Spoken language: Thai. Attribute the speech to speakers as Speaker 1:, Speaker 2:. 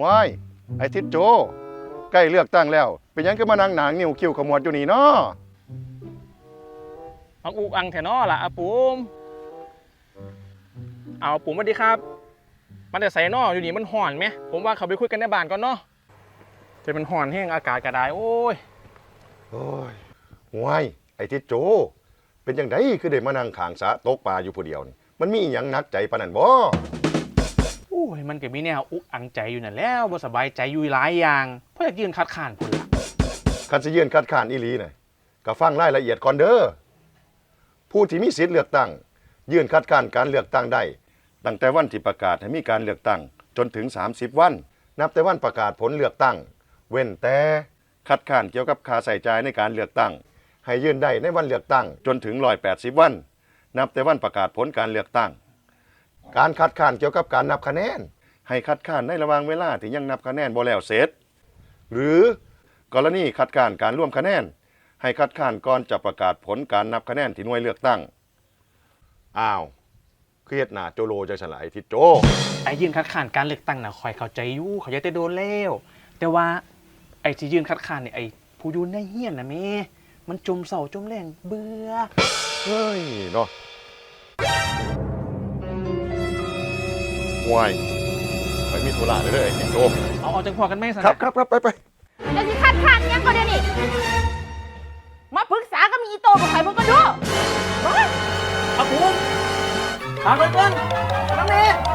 Speaker 1: ว้ายไอ้ทิศโจใกล้เลือกตั้งแล้วเป็นหยังก็มานั่งหนางนิ้วคิ้วขมวดอยู่นี่เนาะ
Speaker 2: อังอุกอังแถนอล่ะอาปูมเอาปูมสวัสดีครับมันแต่ใส่นออยู่นี่มันห่อนไหมผมว่าเขาไปคุยกันในบ้านก่อนเนาะจะเป็นห่อนแห้งอากาศกระไดโอ้ย
Speaker 1: ว้ายไอ้ทิศโจเป็นยังไงคือได้มานั่งขางสะตกปลาอยู่ผู้เดียวนี่มันมีหยังหนักใจปานนั้นบ่
Speaker 2: โอ้ยมันก็มีแนวอุกอังใจอยู่นั่นแล้วบ่สบายใจอยู่หลายอย่างเพราะอยากยืนคัดค้านพุ่นล่ะ
Speaker 1: คันสิยื่นคัดค้านอีหลีน่ะก็ฟังรายละเอียดก่อนเด้อผู้ที่มีสิทธิ์เลือกตั้งยื่นคัดค้านการเลือกตั้งได้ตั้งแต่วันที่ประกาศให้มีการเลือกตั้งจนถึง30วันนับแต่วันประกาศผลเลือกตั้งเว้นแต่คัดค้านเกี่ยวกับค่าใช้จ่ายในการเลือกตั้งให้ยื่นได้ในวันเลือกตั้งจนถึง180วันนับแต่วันประกาศผลการเลือกตั้งการคัดค้านเกี่ยวกับการนับคะแนนให้คัดค้านในระหว่างเวลาที่ยังนับคะแนนบ่แล้วเสร็จหรือกรณีคัดค้านการร่วมคะแนนให้คัดค้านก่อนจะประกาศผลการนับคะแนนที่หน่วยเลือกตั้งอ้าวเครียดหน้าโจโลจังซั่นล่ะไอ้ทิศโจ
Speaker 2: ไอ้ยืนคัดค้านการเลือกตั้งน่ะคอยเข้าใจอยู่เขาจะได้โดนแล้วแต่ว่าไอ้ที่ยืนคัดค้านเนี่ยไอ้ผู้อยู่ในเฮียนน่ะแม่มันจมเศร้าจมแรงเบื่อ
Speaker 1: เฮ้ยเนาะห่วยไปมีธุระเลยไอ้ทิศโจ
Speaker 2: เอาจังพอกันไหมสัน
Speaker 1: ครับไป
Speaker 3: เดี๋ยวสิคัดค้านยังก็เดี๋ยวนี้มาปรึกษากับมีอีโตกับใครมึงก็ดู
Speaker 2: อาปูมถามไปเพิ่นน้ำเมย์